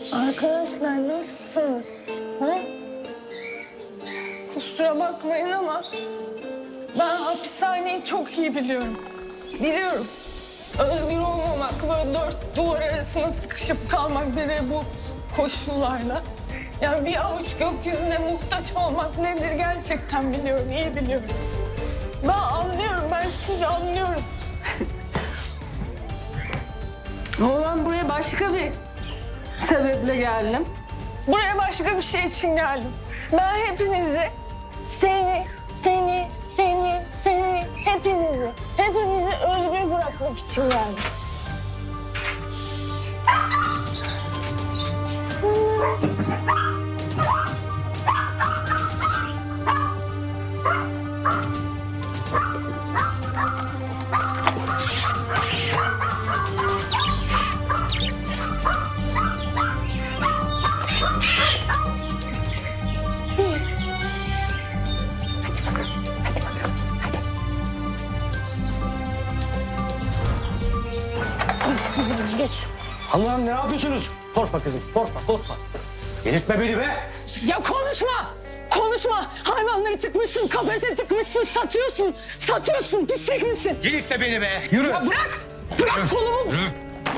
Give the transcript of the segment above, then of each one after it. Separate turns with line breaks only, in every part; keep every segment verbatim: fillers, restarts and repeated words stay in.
Arkadaşlar nasılsınız? Ha? Kusura bakmayın ama ben hapishaneyi çok iyi biliyorum. Biliyorum. Özgür olmamak, böyle dört duvar arasında sıkışıp kalmak bir de bu koşullarla. Yani bir avuç gökyüzüne muhtaç olmak nedir gerçekten biliyorum, iyi biliyorum. Ben anlıyorum, ben sizi anlıyorum. Ama ben buraya başka bir sebeple geldim. Buraya başka bir şey için geldim. Ben hepinizi, seni, seni, seni, seni, hepinizi, hepinizi özgür bırakmak için geldim. Geç.
Allah'ım ne yapıyorsunuz? Korkma kızım, korkma, korkma. Delirtme beni be!
Ya konuşma! Konuşma! Hayvanları tıkmışsın, kafese tıkmışsın, satıyorsun. Satıyorsun, pislik misin?
Delirtme beni be! Yürü!
Ya bırak! Bırak kolumu!
Yürü!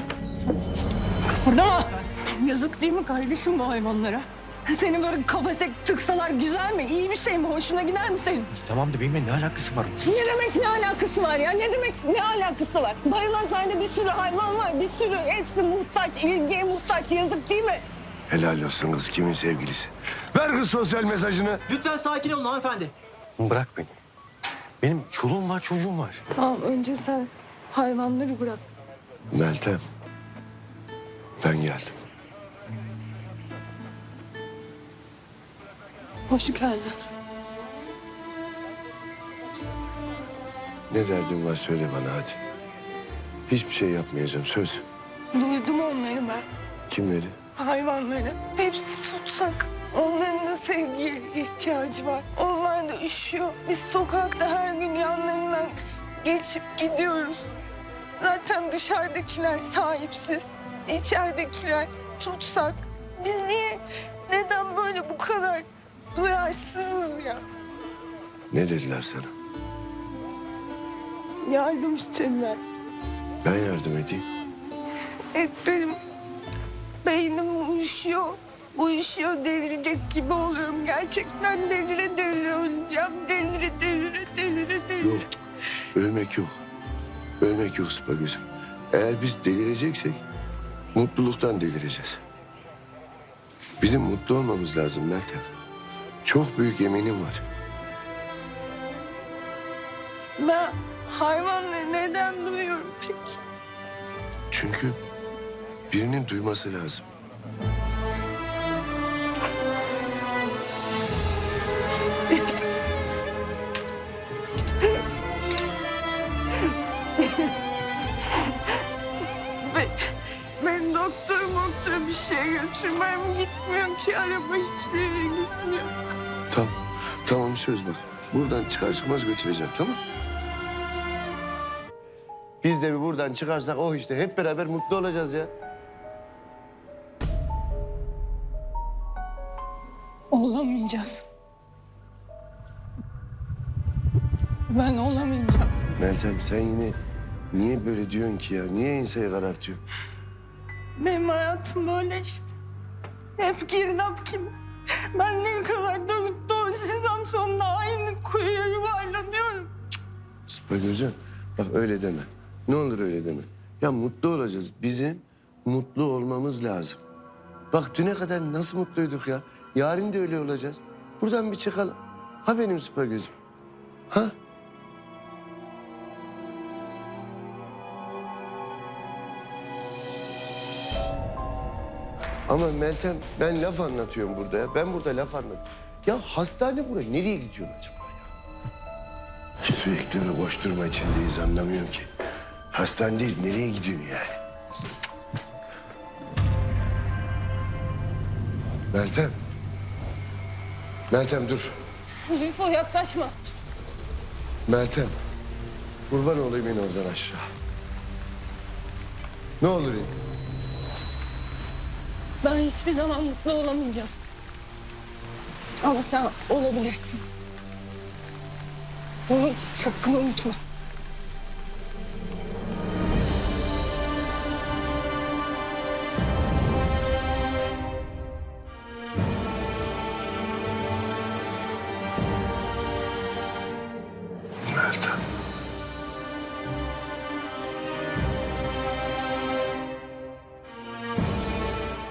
Burada yazık değil mi kardeşim bu hayvanlara? Seni böyle kafese tıksalar güzel mi? İyi bir şey mi? Hoşuna gider mi senin?
Tamam da benimle ne alakası var?
Ne demek ne alakası var ya? Ne demek ne alakası var? Barınaklarda bir sürü hayvan var, bir sürü. Hepsi muhtaç, ilgiye muhtaç. Yazık değil mi?
Helal olsun kız, kimin sevgilisi? Ver kız sosyal mesajını.
Lütfen sakin olun hanımefendi.
Bırak beni. Benim çoluğum var, çocuğum var.
Tamam, önce sen hayvanları bırak.
Meltem, ben geldim.
Hoş geldin.
Ne derdin var söyle bana hadi. Hiçbir şey yapmayacağım, söz.
Duydum onları ben.
Kimleri?
Hayvanları. Hepsi tutsak. Onların da sevgiye ihtiyacı var. Onlar da üşüyor. Biz sokakta her gün yanlarından geçip gidiyoruz. Zaten dışarıdakiler sahipsiz. İçeridekiler tutsak. Biz niye, neden böyle bu kadar duyarsızız ya?
Ne dediler sana?
Yardım istediler.
Ben yardım edeyim.
Et benim beynim uyuşuyor. Uyuşuyor, delirecek gibi oluyorum. Gerçekten delire delire öleceğim. Delire delire delire delire.
Yok, ölmek yok. Ölmek yok sıpa gözüm. Eğer biz delireceksek mutluluktan delireceğiz. Bizim mutlu olmamız lazım Meltem. Çok büyük eminim var.
Ben hayvanları neden duyuyorum peki?
Çünkü birinin duyması lazım.
Ben, ben doktor doktor bir şey götürmem gitmiyor ki. Araba hiçbir yere gitmiyor.
Tamam, tamam söz bak. Buradan çıkar çıkmaz götüreceğim, tamam? Biz de bir buradan çıkarsak oh işte hep beraber mutlu olacağız ya.
Olamayacağız. Ben olamayacağım.
Meltem sen yine niye böyle diyorsun ki ya? Niye enseyi karartıyorsun?
Benim hayatım böyle işte. Hep girdap gibi. Ben ne kadar dönüp dolaşırsam sonunda aynı kuyuya yuvarlanıyorum.
Sıpa gözüm bak öyle deme. Ne olur öyle deme. Ya mutlu olacağız. Bizim mutlu olmamız lazım. Bak düne kadar nasıl mutluyduk ya. Yarın da öyle olacağız. Buradan bir çıkalım. Ha benim sıpa gözüm. Ha? Ama Meltem ben laf anlatıyorum burada ya. Ben burada laf anlatıyorum. Ya hastane buraya. Nereye gidiyorsun acaba ya? Sürekli bir koşturma içindeyiz anlamıyorum ki. Hastanedeyiz. Nereye gidiyorsun yani? Meltem. Meltem dur.
Zülfü yaklaşma.
Meltem. Kurban olayım in oradan aşağı. Ne olur in.
Ben hiçbir zaman mutlu olamayacağım. Ama sen olabilirsin. Bunu sakın unutma.
Meltem.